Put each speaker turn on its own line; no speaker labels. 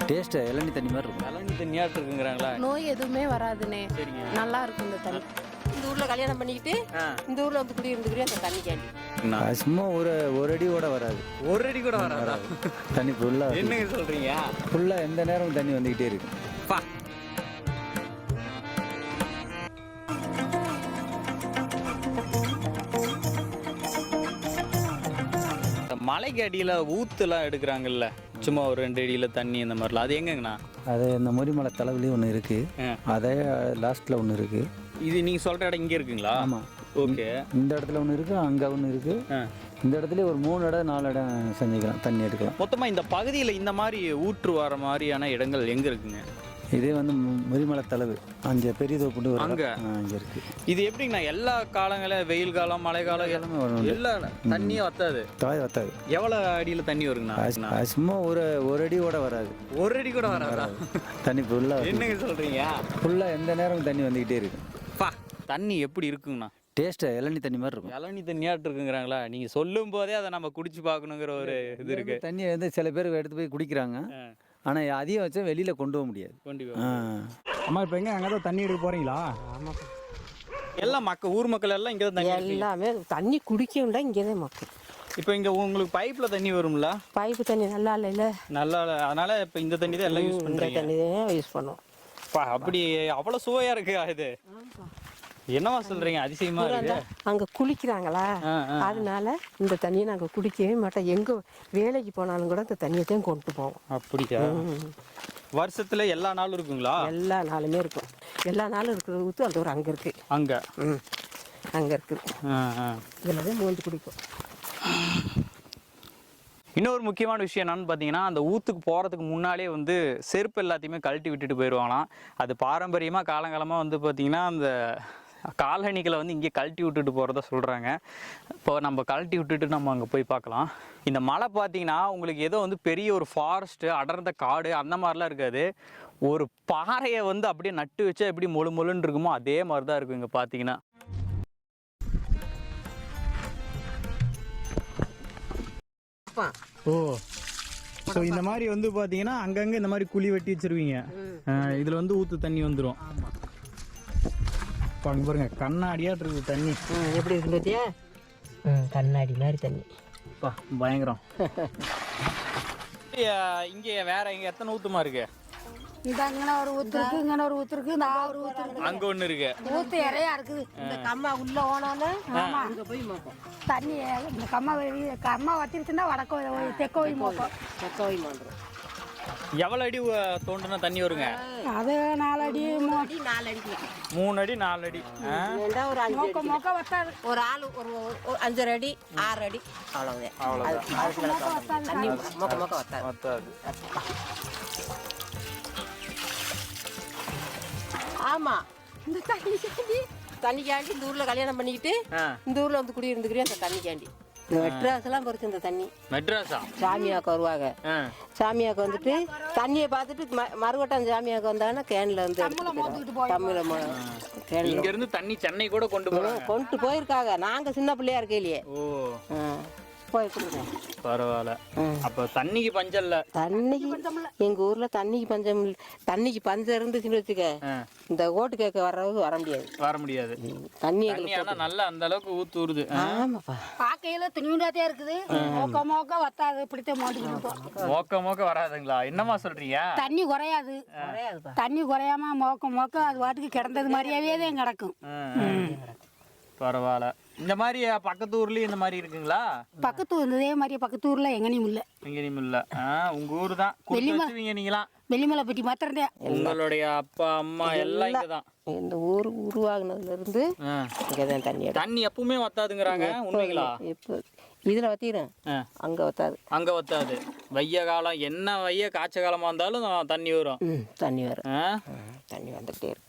Taste இளநீ தண்ணி மாதிரி இருக்கும்.
இளநீ தண்ணியாட்டு இருக்குங்கிறாங்களா?
நோய் எதுவுமே வராதுண்ணே.
சரிங்க.
நல்லா இருக்கும் இந்த தண்ணி.
இந்த ஊர்ல கல்யாணம் பண்ணிக்கிட்டு இந்த ஊர்ல வந்து குடி இருந்துக்கிறேன் அந்த தண்ணி கேண்டி
சும்மா ஒரு அடியோட வராது.
ஒரு அடி கூட வராதா?
தண்ணி ஃபுல்லாக
என்னங்க சொல்றீங்க?
ஃபுல்லாக எந்த நேரமும் தண்ணி வந்துக்கிட்டே இருக்கு.
பா மலைக்கு அடியில் ஊத்துலாம் எடுக்கிறாங்கல்ல, சும்மா ஒரு 2 அடியில் தண்ணி இந்த மாதிரிலாம், அது எங்கங்கண்ணா?
அது இந்த முறிமலை தலைவிலையும் ஒன்று இருக்குது, அதே லாஸ்ட்டில் ஒன்று இருக்குது.
இது நீங்கள் சொல்கிற இடம் இங்கே இருக்குங்களா?
ஆமாம்.
ஓகே.
இந்த இடத்துல ஒன்று இருக்குது, அங்கே ஒன்று இருக்குது. இந்த இடத்துல ஒரு 3 இடம் 4 இடம் செஞ்சுக்கலாம், தண்ணி எடுக்கலாம்.
மொத்தமாக இந்த பகுதியில் இந்த மாதிரி ஊற்று வர மாதிரியான இடங்கள் எங்கே இருக்குங்க?
இதே வந்து முறிமலை தலைவு அங்கே பெரிய தோப்புண்டு
அங்கே
அங்கே இருக்குது.
இது எப்படிங்கண்ணா? எல்லா காலங்களும் வெயில் காலம் மழை காலம் எல்லாமே வரும், எல்லா தண்ணியே வத்தாது?
வத்தாது.
எவ்வளோ அடியில் தண்ணி வருங்கண்ணா?
சும்மா ஒரு அடியோட வராது.
ஒரு அடி கூட வராதா?
தண்ணி ஃபுல்லாக.
என்னங்க சொல்கிறீங்க?
ஃபுல்லாக எந்த நேரமும் தண்ணி வந்துக்கிட்டே இருக்கு.
பா தண்ணி எப்படி இருக்குங்கண்ணா?
டேஸ்ட்டு இளநீ தண்ணி மாதிரி இருக்கும்.
இளநீ தண்ணியாட்டு இருக்குங்கிறாங்களா? நீங்கள் சொல்லும் போதே அதை நம்ம குடிச்சு பார்க்கணுங்கிற ஒரு இது இருக்கு.
தண்ணியை வந்து சில பேர் எடுத்து போய் குடிக்கிறாங்க, ஆனால் அதிகம் வச்சா வெளியில் கொண்டு போக முடியாது.
அம்மா இப்போ எங்கே அங்கே தான் தண்ணி எடுக்க போகிறீங்களா?
ஆமாம்.
எல்லாம் ஊர் மக்கள் எல்லாம் இங்கே தான் தண்ணி
எல்லாமே தண்ணி குடிக்கணும்ல இங்கே தான் மக்கள்.
இப்போ இங்கே உங்களுக்கு பைப்பில் தண்ணி வரும்ல?
பைப்பு தண்ணி நல்லா இல்லைல்ல,
நல்லா இல்லை, அதனால இப்போ இந்த தண்ணி தான் எல்லாம் யூஸ்
இந்த
பண்ணுறீங்க.
தண்ணி தான் யூஸ் பண்ணுவோம்.
அப்படி அவ்வளோ சுவையாக இருக்கு இது. என்னவா சொல்கிறீங்க? அதிசயமா இருக்கு.
அங்கே குளிக்கிறாங்களா, அதனால இந்த தண்ணியை நாங்கள் குடிக்கவே மாட்டோம். எங்கே வேலைக்கு போனாலும் கூட இந்த தண்ணியை தான் கொண்டு போவோம்.
அப்படியா? வருஷத்துல எல்லா நாளும் இருக்குங்களா?
எல்லா நாளுமே இருக்கும். எல்லா நாளும் இருக்கிற ஊற்று அந்த ஒரு அங்கே இருக்குது.
அங்கே
அங்கே இருக்குது. இதில் தான் மூஞ்சி குடிக்கும்.
இன்னொரு முக்கியமான விஷயம் என்னன்னு பார்த்தீங்கன்னா, அந்த ஊற்றுக்கு போகிறதுக்கு முன்னாலே வந்து செருப்பு எல்லாத்தையுமே கழட்டி விட்டுட்டு போயிடுவாங்களாம். அது பாரம்பரியமாக காலங்காலமாக வந்து பார்த்திங்கன்னா அந்த காலணிகளை வந்து இங்கே கழட்டி விட்டுட்டு போகிறதா சொல்கிறாங்க. இப்போ நம்ம கழட்டி விட்டுட்டு நம்ம அங்கே போய் பார்க்கலாம். இந்த மலை பார்த்தீங்கன்னா உங்களுக்கு ஏதோ வந்து பெரிய ஒரு ஃபாரஸ்ட்டு, அடர்ந்த காடு அந்த மாதிரிலாம் இருக்காது. ஒரு பாறையை வந்து அப்படியே நட்டு வச்சா எப்படி மொழுன்னு இருக்குமோ அதே மாதிரி தான் இருக்கும் இங்கே பார்த்தீங்கன்னா.
ஓ, ஸோ இந்த மாதிரி வந்து பார்த்தீங்கன்னா அங்கங்கே இந்த மாதிரி குழி வெட்டி வச்சிருவீங்க, இதில் வந்து ஊற்று தண்ணி வந்துடும். இப்போ அங்கே பாருங்க கண்ணாடியாக இருக்குது தண்ணி.
எப்படி இருக்கு பார்த்தியா? கண்ணாடி மாதிரி தண்ணி.
பயங்கரம். இங்கே வேற இங்கே எத்தனை ஊத்துமா இருக்கு?
இந்த அங்கே ஒரு ஊத்து இருக்கு, இங்கே ஒரு ஊத்து இருக்கு, இந்த ஒரு ஊத்து இருக்கு,
அங்க ஒண்ணு இருக்கு.
ஊத்து நிறையா இருக்குது.
இந்த கம்மா உள்ள ஓனாலும் அங்கே போய் மோப்போம்
தண்ணி. இந்த கம்மா வத்திருச்சுன்னா வடக்க தெற்க போய் மோப்போம்.
தெற்க போய் மாண்டுறோம்.
எவ்வளோ அடி தோண்டுனா தண்ணி வருங்க?
அது 4 அடி
3 அடி 4 அடி
3 அடி 4 அடி.
ஒரு 5
மொக்க மொக்க வத்தாது.
ஒரு ஆள் ஒரு 5 அடி 6 அடி அவ்வளவுதான். தண்ணி மொக்க மொக்க வத்தாது. ஆமா, இந்த தண்ணிக்காண்டி இந்த ஊர்ல கல்யாணம் பண்ணிக்கிட்டு இந்த ஊர்ல வந்து குடி இருந்துக்கிறேன் அந்த தண்ணிக்காண்டி. இந்த மெட்ராஸ் எல்லாம் பொறுத்து இந்த தண்ணி.
மெட்ராஸா?
சாமியாக்க வருவாங்க. சாமியாக்க வந்துட்டு தண்ணியை பார்த்துட்டு மறுவட்டம் சாமியாக்க வந்தாங்கன்னா கேன்ல வந்து தமிழ
இங்க இருந்து தண்ணி சென்னை கூட கொண்டு
போயிருக்காங்க. நாங்க சின்ன பிள்ளையா இருக்கையிலேயே போய் கொடுங்க.
பரவாயில்ல. அப்ப தண்ணிக்கு பஞ்சம் இல்ல.
தண்ணிக்கு எங்க ஊர்ல தண்ணிக்கு பஞ்சம் இல்ல. தண்ணிக்கு பஞ்சம் இருந்துச்சுன்னு வச்சுக்க இந்த ஓட்டு கேட்க வர முடியாது. தண்ணி
நல்ல அந்த அளவுக்கு ஊத்து ஊறுது.
ஆமாப்பா,
பார்க்கையில துணியுண்டாத்தே இருக்குது. மொக்க மொக்க வத்தாது. இப்படித்தான் மாட்டிக்கிட்டு
மோக்க வராதுங்களா? என்னமா சொல்றீங்க?
தண்ணி குறையாது. தண்ணி குறையாம மொக்க அது வாட்டுக்கு கிடந்தது மாதிரியாவே தான் கிடக்கும்.
பரவாயில்ல. இந்த மாதிரி பக்கத்து ஊர்லயும் இந்த மாதிரி இருக்குங்களா?
பக்கத்து இதே மாதிரி பக்கத்து ஊர்ல எங்கேயும் இல்ல.
எங்கேயும் இல்ல. உங்க ஊர் தான் நீங்களாம்?
வெள்ளிமலைப்பட்டி மாத்திரந்தே.
உங்களுடைய அப்பா அம்மா எல்லாம் இங்கதான்?
இந்த ஊர் உருவாகுனதுல இருந்து இங்கதான் தண்ணி
எப்பவுமே வத்தாதுங்கிறாங்க, உண்மைங்களா?
இப்போ இதுல வத்திடும், அங்க வத்தாது.
வெய்ய காலம் என்ன காய்ச்ச காலமா இருந்தாலும் தண்ணி வரும்.
தண்ணி வந்துகிட்டே இருக்கு.